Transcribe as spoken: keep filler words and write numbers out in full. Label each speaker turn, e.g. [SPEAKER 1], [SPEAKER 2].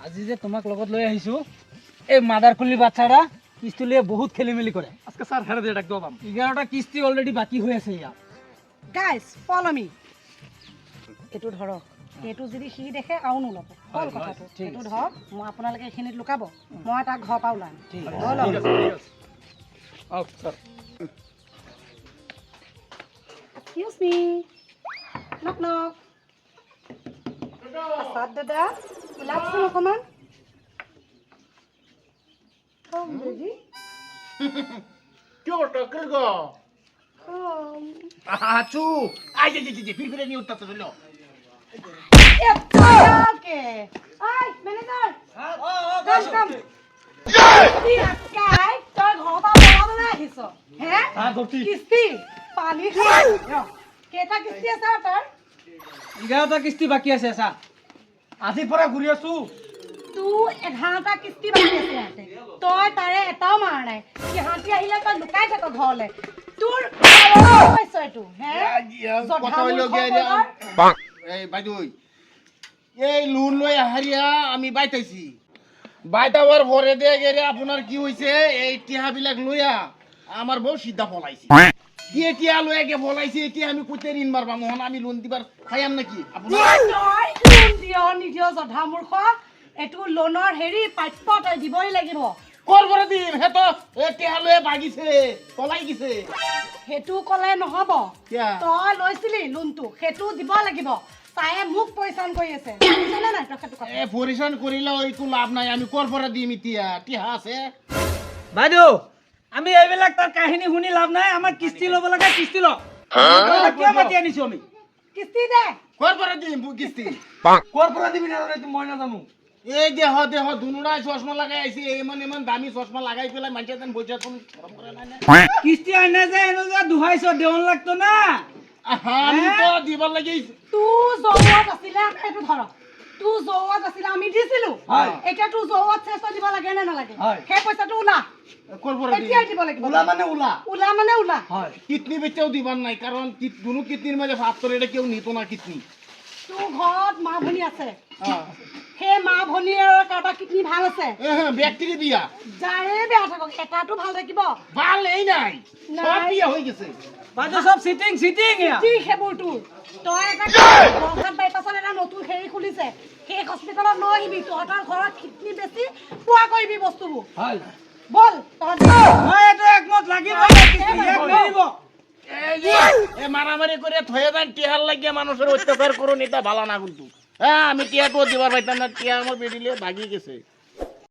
[SPEAKER 1] আজি যে তোমাক লগত লৈ আহিছো এই মাদারকুলি বাচ্চাটা কিস্তি লিয়ে বহুত খেলিমেলি করে আজকে স্যার হেরে দিয়ে ডাক দাম এগারোটা কিস্তি অলরেডি বাকি হয়ে আছে ইয়া
[SPEAKER 2] গাইস ফলো মি এটু ধরক এটু যদি সি দেখে আও নলব হল কথাটো এটু ধৰক মই আপোনালোকে এখিনিত লুকাব মই তাক ঘৰ পা ওলাম
[SPEAKER 1] ঠিক
[SPEAKER 2] হল
[SPEAKER 1] আছে আও স্যার
[SPEAKER 2] এক্সকিউজ মি নক নক আসাদ দাদা ওলাকচোন অকণমান কম বেবি
[SPEAKER 3] Yo, Takrgo.
[SPEAKER 2] কম
[SPEAKER 3] Achu. Ay, ay, ay, ay, firme ni utta solo.
[SPEAKER 2] Okay I manager
[SPEAKER 1] ও ও
[SPEAKER 2] কাম কাম কি আকাই তই ঘৰ পা বনাবলৈ আহিছ হে
[SPEAKER 1] হ্যাঁ গতি
[SPEAKER 2] কিস্তি পানী খাই কেটা কিস্তি আছে তোৰ
[SPEAKER 1] এগারোটা কিস্তি বাকি আছে স্যার আজি পৰা ঘুৰি আছো
[SPEAKER 2] তোৰ এঘাৰটা কিস্তি বাকি আছে ইয়াতে তই তাৰে এটাও মাৰ নাই সিহঁতি আহিলে তই লুকাই থাক ঘৰলে তোৰ পইছ এইটো হে
[SPEAKER 3] কথা হইলো গিয়া এই বাইদুই এই লোন লই হারিয়া আমি বাইতাইছি বাইতাবার পরে দিয়ে গেলে আপনার কি হইছে এই টিহা বিলাক লইয়া আমার বউ সিদ্ধা পলাইছে দিয়ে টিহা লইয়া গে পলাইছে এতিয়া আমি কইতে ঋণ মারবা মোহন আমি লোন দিবার খাইয়াম নাকি আপনার
[SPEAKER 2] তই লোন দিয় নিদিয় জধা মূৰ্খ এইটো লোনৰ হেৰি প্ৰাপ্য তই দিবই লাগিব
[SPEAKER 3] কর করে দিন হে তো এ টিহা লইয়া ভাগিছে পলাই গেছে
[SPEAKER 2] সেইটো ক'লে নহ'ব
[SPEAKER 3] কিয়া?
[SPEAKER 2] তই লৈছিলি লোনটো সেইটো দিব লাগিব তায়ে মোক পৰিচান কৰি আছে বুজিছনে নাই তই সেইটো কথা
[SPEAKER 3] এ পরিশান করিলে একটু লাভ নাই আমি কর করে দিম ইতিয়া টিহা আছে
[SPEAKER 1] বাইদেউ আমি এইবিলাক তাৰ কাহিনী শুনি লাভ নাই আমাৰ কিস্তি ল'ব লাগে কিস্তি ল কিয় মাতি আনিছো আমি
[SPEAKER 2] কিস্তি দে
[SPEAKER 3] কর করে দিম কিস্তি
[SPEAKER 1] ক'ৰ পৰা দিবি নাজানো মই নাজানো
[SPEAKER 3] এই দেহ দেহ দুনুরাই চশমা লাগাই আইছি এমন এমন দামি চশমা লাগাই পেলাই মানুষ যেন বইছে কোন শরম করে না না
[SPEAKER 1] কিস্তি আনে যে এনে যে দুহাইছ দেৱন লাগতো না
[SPEAKER 3] আহা, আমি তো দিবার লাগি
[SPEAKER 2] তোৰ জৌৱত আছিলে সেইটো ধৰক তোৰ জৌৱত আছিলে আমি দিছিলো
[SPEAKER 1] হয়।
[SPEAKER 2] এতিয়া তোৰ জৌৱত চেষ্টা দিব লাগে নে নালাগে
[SPEAKER 1] হয়।
[SPEAKER 2] সেই পইচাটো ওলা
[SPEAKER 3] কর করে
[SPEAKER 2] এতিয়াই
[SPEAKER 3] দিম
[SPEAKER 2] দিব লাগিব
[SPEAKER 1] ওলা মানে ওলা
[SPEAKER 2] ওলা মানে ওলা
[SPEAKER 1] হয়
[SPEAKER 3] কিডনি বেচাও দিবার নাই কারণ কিত- দুনু কিডনির মাঝে ভাত করে এটা কেউ নিত না কিডনি
[SPEAKER 2] তোৰ ঘৰত মা ভনী আছে
[SPEAKER 3] হ্যাঁ
[SPEAKER 2] সেই মা ভনীৰ কাৰোবাৰ কিডনি ভাল আছে
[SPEAKER 3] ব্যক্তি দিয়া
[SPEAKER 2] যাৰে বেয়া থাকক এটাটো ভাল থাকিব
[SPEAKER 3] ভাল এই নাই
[SPEAKER 2] নাই।
[SPEAKER 3] সব বিয়া হয়ে গেছে
[SPEAKER 1] বাইদেউ সব চিটিং চিটিং এয়া
[SPEAKER 2] কি সেইবোৰ তোৰ তই এটা বৰঘাট বাইপাছত এটা নতুন হেৰি খুলিছে সেই হস্পিটেলত লৈ আহিবি তহঁতৰ ঘৰত কিডনি বেছি পোৱা কৰিবি বস্তুবোৰ
[SPEAKER 1] হয়
[SPEAKER 2] বল তহঁত
[SPEAKER 1] মই এইটো একমত লাগিব কিস্তি এক নিদিব
[SPEAKER 3] এই যে এ মারামারি করে থয়ে দেন টিহার লাগিয়ে মানুষের অত্যাচার করুন এটা ভালো না কিন্তু হ্যাঁ আমি টিয়াটো দিবার পাইতাম না টিয়া আমার বেরিলে ভাগি গেছে